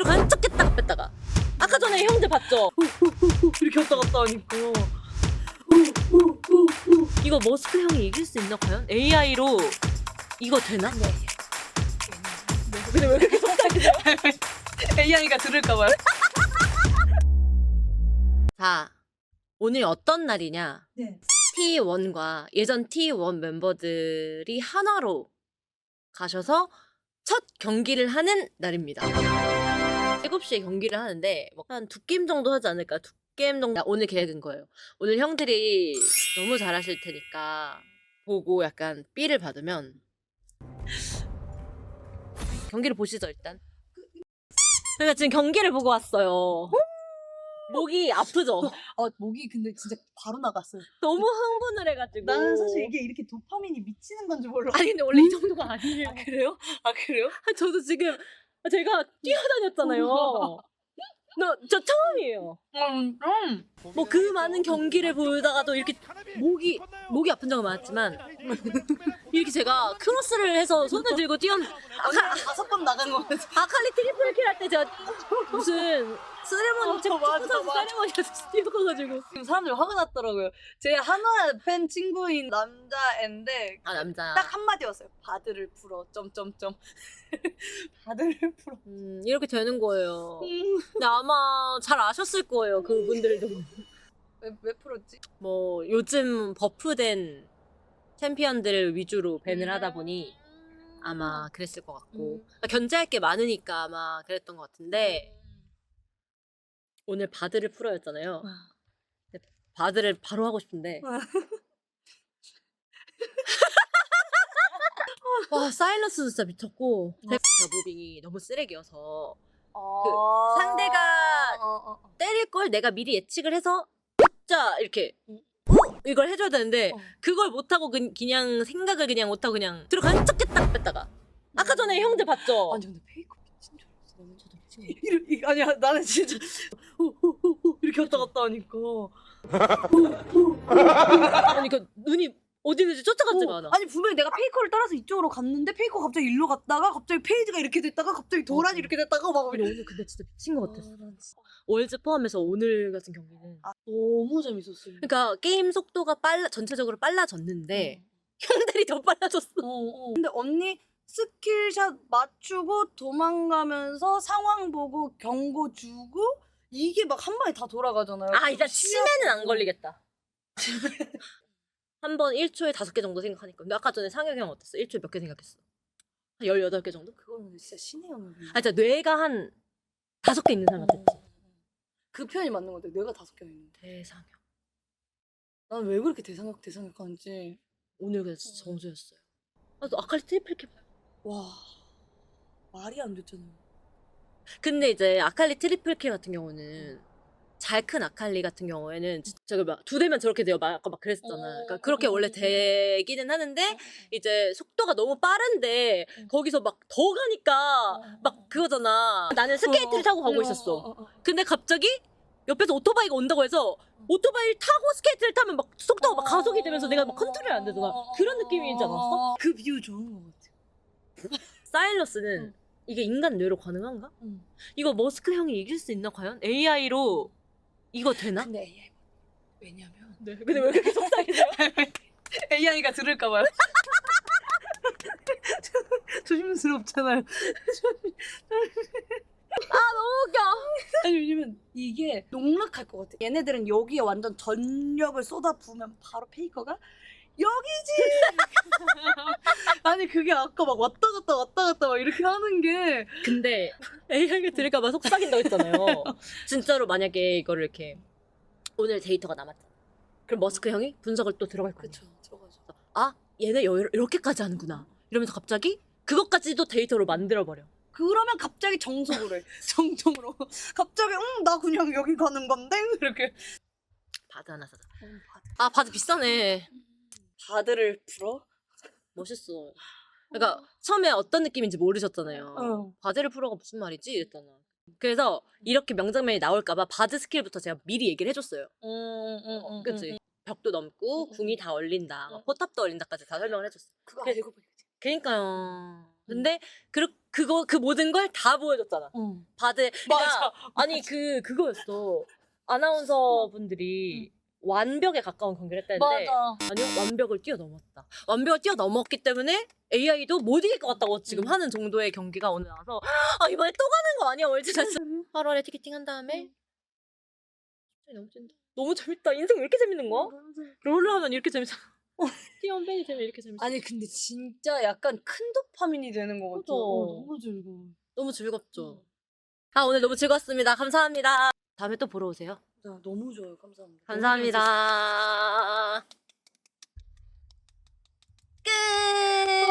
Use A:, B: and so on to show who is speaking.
A: 들어가는 척했다가 뺐다가. 아까 전에 형들 봤죠? 이렇게 왔다 갔다 하니까. 이거 머스크 형이 이길 수 있나 과연? AI로 이거 되나? 네. 근데 왜 그렇게 속삭이죠?
B: AI가 들을까봐요.
A: 자, 오늘 어떤 날이냐?
B: 네.
A: T1과 예전 T1 멤버들이 하나로 가셔서 첫 경기를 하는 날입니다. 7시에 경기를 하는데 뭐 한 2게임 정도 하지 않을까? 2게임 정도 오늘 계획인 거예요. 오늘 형들이 너무 잘하실 테니까 보고 약간 B를 받으면 경기를 보시죠 일단. 제가 지금 경기를 보고 왔어요. 목이 아프죠?
B: 목이 근데 진짜 바로 나갔어요.
A: 너무 흥분을 해가지고.
B: 나는 사실 이게 이렇게 도파민이 미치는 건지 몰라.
A: 아니 근데 원래 이 정도가 아니에요.
B: 아, 그래요? 아, 그래요?
A: 저도 지금 제가 뛰어다녔잖아요. 저 처음이에요. 뭐 그 많은 경기를 보다가도 이렇게 목이 아픈 적은 많았지만 이렇게 제가 크로스를 해서 손을 들고
B: 언니 5번 나간 거 같아.
A: 아칼리 트리플 킬 할 때 제가 무슨 세레머니 축구
B: 맞아,
A: 선수
B: 맞아.
A: 세레머니에서 뛰어가가지고.
B: 지금 사람들이 화가 났더라고요. 제 한화 팬 친구인 남자애인데
A: 아 남자.
B: 딱 한마디 왔어요. 바드를 풀어. 점점점. 바드를 풀어.
A: 이렇게 되는 거예요. 근데 아마 잘 아셨을 거예요 그분들도.
B: 왜 풀었지?
A: 뭐 요즘 버프된 챔피언들 위주로 밴을 하다 보니 아마 그랬을 것 같고 그러니까 견제할 게 많으니까 아마 그랬던 것 같은데 오늘 바드를 풀어였잖아요. 근데 바드를 바로 하고 싶은데 와 사일러스도 진짜 미쳤고 제가 무빙이 너무 쓰레기여서 상대가 때릴 걸 내가 미리 예측을 해서 진짜 이렇게 이걸 해줘야 되는데 그걸 못하고 그냥 생각을 그냥 못하고 그냥 들어가는 척했다가 뺐다가. 아까 전에 형들 봤죠?
B: 아니 근데 페이커 미친 줄 알았어. 나는
A: 저도 미친 거.
B: 아니야 나는 진짜 이렇게 왔다 갔다 하니까
A: 아니 그 눈이 어디 있는지 쫓아갔지가 않아.
B: 아니 분명히 내가 페이커를 따라서 이쪽으로 갔는데 페이커 갑자기 일로 갔다가 갑자기 페이지가 이렇게 됐다가 갑자기 도란이 이렇게 됐다가 막
A: 근데 오늘 근데 진짜 미친 것 같았어. 월즈 포함해서 오늘 같은 경기는.
B: 너무 재밌었어요.
A: 그러니까 게임 속도가 전체적으로 빨라졌는데 형들이 더 빨라졌어.
B: 근데 언니 스킬샷 맞추고 도망가면서 상황 보고 경고 주고 이게 막 한 방에 다 돌아가잖아요.
A: 아 이제 치매는 안 걸리겠다. 한 번 1초에 5개 정도 생각하니까. 근데 아까 전에 상혁이 형 어땠어? 1초에 몇 개 생각했어? 한 18개 정도?
B: 그거는 진짜 신의 영역.
A: 아 진짜 뇌가 한 5개 있는 사람 같았지.
B: 그 표현이 맞는 것 같아. 내가 5개나 있는데.
A: 대상혁.
B: 난 왜 그렇게 대상각 하는지.
A: 오늘 그래서 진짜 정수였어요. 아, 또 아칼리 트리플 킬 봐요.
B: 와 말이 안 됐잖아요.
A: 근데 이제 아칼리 트리플 킬 같은 경우는 잘 큰 아칼리 같은 경우에는 저기 막 2대면 저렇게 돼요. 아까 막 그랬었잖아. 그러니까 그렇게 원래 되기는 하는데 이제 속도가 너무 빠른데 거기서 막 더 가니까 막 그거잖아. 나는 스케이트를 타고 가고 있었어. 근데 갑자기 옆에서 오토바이가 온다고 해서 오토바이를 타고 스케이트를 타면 막 속도가 막 가속이 되면서 내가 막 컨트롤이 안 되잖아. 그런 느낌이지 않았어?
B: 그 비유 좋은 것 같아.
A: 사일러스는 이게 인간 뇌로 가능한가? 이거 머스크 형이 이길 수 있나 과연? AI로 이거 되나?
B: 근데 AI 왜냐면
A: 네. 근데 왜 그렇게 속상해져요?
B: AI가 들을까봐요. 조심스럽잖아요.
A: 너무 웃겨.
B: 아니 왜냐면 이게 농락할 것 같아. 얘네들은 여기에 완전 전력을 쏟아부으면 바로 페이커가 여기지. 아니 그게 아까 막 왔다 갔다 막 이렇게 하는 게
A: 근데 AI가 들을까봐 속삭인다고 했잖아요. 진짜로 만약에 이거를 이렇게 오늘 데이터가 남았잖아. 그럼 머스크 형이 분석을 또 들어갈 거야.
B: 그쵸 들어가죠.
A: 아 얘네 이렇게까지 하는구나. 이러면서 갑자기 그것까지도 데이터로 만들어버려.
B: 그러면 갑자기 정석으로 해. 정정으로 갑자기 나 그냥 여기 가는 건데 이렇게
A: 바드 하나 사자. 아 바드 비싸네.
B: 바드를 풀어?
A: 멋있어. 그러니까 처음에 어떤 느낌인지 모르셨잖아요.
B: 어.
A: 바드를 풀어가 무슨 말이지? 이랬잖아. 그래서 이렇게 명장면이 나올까봐 바드 스킬부터 제가 미리 얘기를 해줬어요. 그치? 벽도 넘고 궁이 다 얼린다, 막 포탑도 얼린다까지 다 설명을 해줬어.
B: 그거
A: 그-
B: 알고 보니까
A: 그러니까요. 근데 그 모든 걸 다 보여줬잖아.
B: 응.
A: 바드
B: 맞아.
A: 아니 그거였어. 아나운서 분들이 완벽에 가까운 경기를 했다는데
B: 맞아.
A: 아니요 완벽을 뛰어넘었다. 완벽을 뛰어넘었기 때문에 AI도 못 이길 것 같다고 지금 하는 정도의 경기가 오늘 나와서 아 이번에 또 가는 거 아니야 월드전스 8월에 티켓팅 한 다음에 너무 재밌다. 너무 재밌다. 인생 왜 이렇게 재밌는 거야? 롤러 하면 이렇게 재밌어. 티원 팬이 되면 이렇게 재밌어.
B: 아니 근데 진짜 약간 큰 도파민이 되는 것 같아.
A: 그죠.
B: 너무 즐거워.
A: 너무 즐겁죠. 아 오늘 너무 즐거웠습니다. 감사합니다. 다음에 또 보러 오세요.
B: 너무 좋아요. 감사합니다.
A: 감사합니다. 끝.